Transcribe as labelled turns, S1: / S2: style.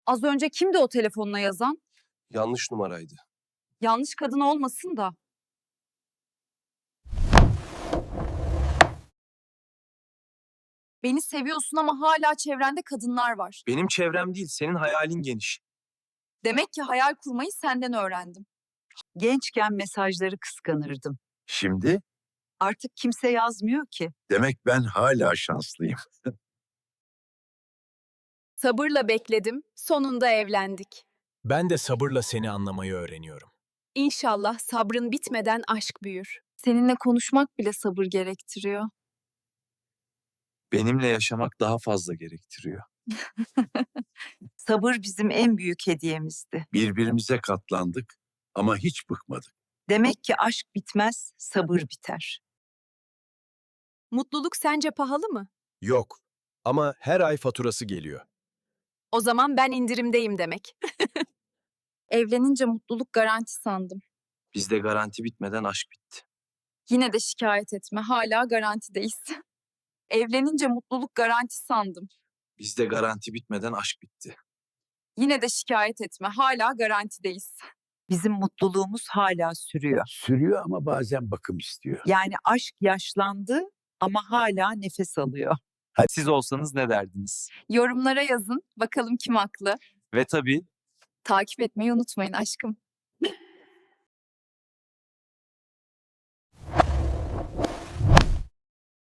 S1: Az önce kimdi o telefonla yazan?
S2: Yanlış numaraydı.
S1: Yanlış kadın olmasın da. Beni seviyorsun ama hala çevrende kadınlar var.
S2: Benim çevrem değil, senin hayalin geniş.
S1: Demek ki hayal kurmayı senden öğrendim.
S3: Gençken mesajları kıskanırdım.
S4: Şimdi
S3: Artık kimse yazmıyor ki.
S4: demek ben hala şanslıyım.
S5: Sabırla bekledim, sonunda evlendik.
S6: Ben de sabırla seni anlamayı öğreniyorum.
S5: İnşallah sabrın bitmeden aşk büyür.
S1: Seninle konuşmak bile sabır gerektiriyor.
S2: Benimle yaşamak daha fazla gerektiriyor.
S3: Sabır bizim en büyük hediyemizdi.
S4: Birbirimize katlandık ama hiç bıkmadık.
S3: Demek ki aşk bitmez, sabır biter.
S5: Mutluluk sence pahalı mı?
S6: Yok. Ama her ay faturası geliyor.
S5: O zaman ben indirimdeyim demek.
S1: Evlenince mutluluk garanti sandım.
S2: Bizde garanti bitmeden aşk bitti.
S1: Yine de şikayet etme, hala garantideyiz. Evlenince mutluluk garanti sandım.
S2: Bizde garanti bitmeden aşk bitti.
S1: Yine de şikayet etme, hala garantideyiz.
S3: Bizim mutluluğumuz hala sürüyor.
S4: Sürüyor ama bazen bakım istiyor.
S3: Yani aşk yaşlandı ama hala nefes alıyor.
S2: Siz olsanız ne derdiniz?
S1: Yorumlara yazın, bakalım kim haklı.
S2: Ve tabii
S1: Takip etmeyi unutmayın aşkım.